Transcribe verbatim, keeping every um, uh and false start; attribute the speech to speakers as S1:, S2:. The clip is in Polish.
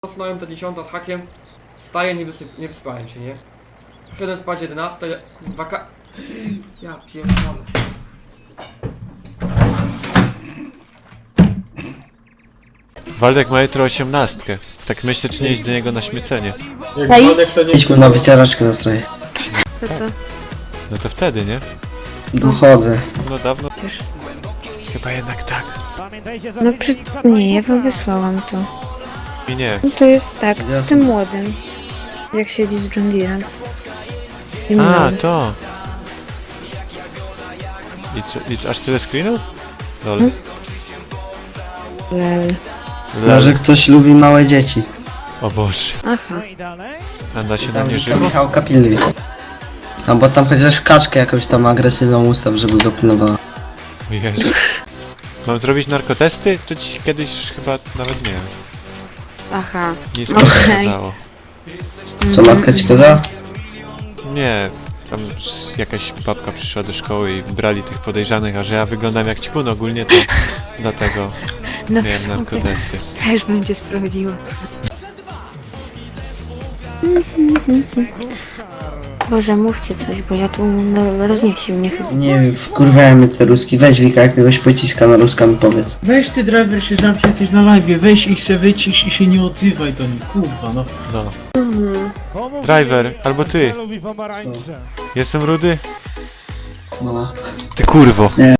S1: Zasnąłem ta dziesiąta z hakiem, wstaję, nie, wysyp, nie wyspałem się, nie? Przyszedłem spać jedenasta, kurwa ka... Ja pierdolę.
S2: Waldek ma jutro osiemnastkę. Tak myślę, czy nie iść do niego na śmiecenie.
S1: Jak
S3: Daj.
S1: Waldek to nie...
S4: Idźmy na wycieraczkę na stroje.
S3: To co?
S2: No to wtedy, nie?
S4: Dochodzę.
S2: No dawno.
S3: Przecież...
S2: Chyba jednak tak.
S3: No przy... Nie, ja wam wysłałam to.
S2: I nie.
S3: No to jest tak, z
S4: Jasne.
S3: tym młodym. Jak siedzi z John Deerem. I
S2: A,
S3: mną.
S2: to. I, co, i aż tyle screenów? Lol.
S3: Hmm? Lel.
S2: Lol.
S4: Może ktoś lubi małe dzieci.
S2: O Boże.
S3: Aha.
S2: A da się na
S4: Tam
S2: nie
S4: Wika
S2: żywo?
S4: Michałka pilnuj. Albo tam chociaż kaczkę jakąś tam agresywną ustaw, żeby go pilnowała.
S2: O Jezu. Mam zrobić narkotesty? To ci kiedyś chyba nawet nie wiem.
S3: Aha.
S2: Nic
S3: Okej.
S2: nie pokazało.
S4: Co matka ci kazała?
S2: Nie. Tam jakaś babka przyszła do szkoły i brali tych podejrzanych, a że ja wyglądam jak ćpun ogólnie, to dlatego
S3: No w
S2: miałem
S3: sumie
S2: narkotesty.
S3: też będzie sprawdziło. Boże, mówcie coś, bo ja tu no, rozniesie mnie chyba.
S4: Nie wiem, wkurwiają mnie te ruski. Weź Wika jakiegoś pociska na ruska mi powiedz.
S5: Weź ty driver się zamknij, jesteś na live, weź ich se wycisz i się nie odzywaj do nich, kurwa no.
S2: No. Driver, albo ty. Jestem rudy?
S4: No.
S2: Ty kurwo.